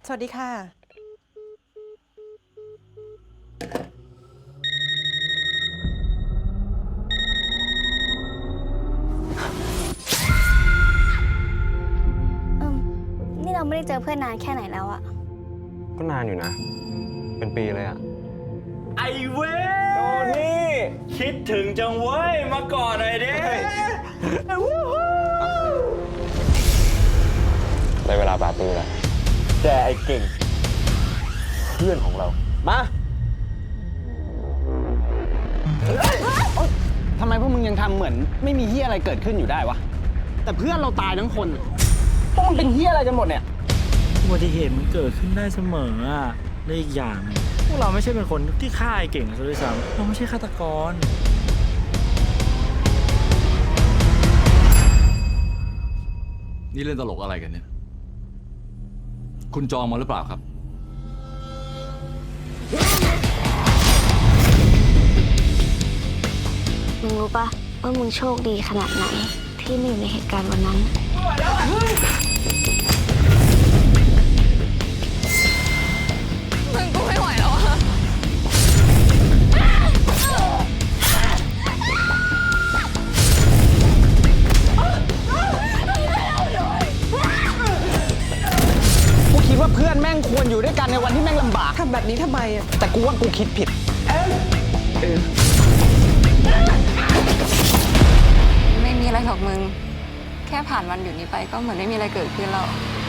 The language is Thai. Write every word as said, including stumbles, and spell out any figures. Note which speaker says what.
Speaker 1: สวัสดีค่ะ
Speaker 2: เอิมนี่เราไม่ได้เจอเพื่อนนานแค่ไหนแล้วอะ
Speaker 3: ก็นานอยู่นะ เป็นปีเลยอะ
Speaker 4: ไอเว้ยโทนี่คิดถึงจังเว้ย มาก่อนหน่อยดิ
Speaker 3: ได้เวลาปาร์ตี้แล้ว
Speaker 4: แต่ไอเก่ง เพื่อนของเรา มา
Speaker 5: ทำไมพวกมึงยังทำเหมือนไม่มีเฮียอะไรเกิดขึ้นอยู่ได้วะ แต่เพื่อนเราตายทั้งคน พวกมันเป็นเฮียอะไรกันหมดเนี่ย
Speaker 6: อุบัติเหตุมันเกิดขึ้นได้เสมออ่ะและอีกอย่างพวกเราไม่ใช่เป็นคนที่ฆ่าไอ้เก่งซะด้วยซ้ำเราไม่ใช่ฆาตกร
Speaker 7: นี่เล่นตลกอะไรกันเนี่ย คุณจองมาหรือเปล่าครับ
Speaker 2: มึงรู้ปะว่ามึงโชคดีขนาดไหน ที่ไม่อยู่ในเหตุการณ์วันนั้น
Speaker 8: มึงกูไม่ไหวแล้วอะ
Speaker 5: กูคิดว่าเพื่อนแม่งควรอยู่ด้วยกันในวันที่แม่งลำบาก
Speaker 1: ทำแบบนี้ทำไมอ่ะ
Speaker 5: แต่กูว่ากูคิดผิด
Speaker 8: ไม่มีอะไรหรอกมึง แค่ผ่านวันหยุดนี้ไปก็เหมือนไม่มีอะไรเกิดขึ้นแล้ว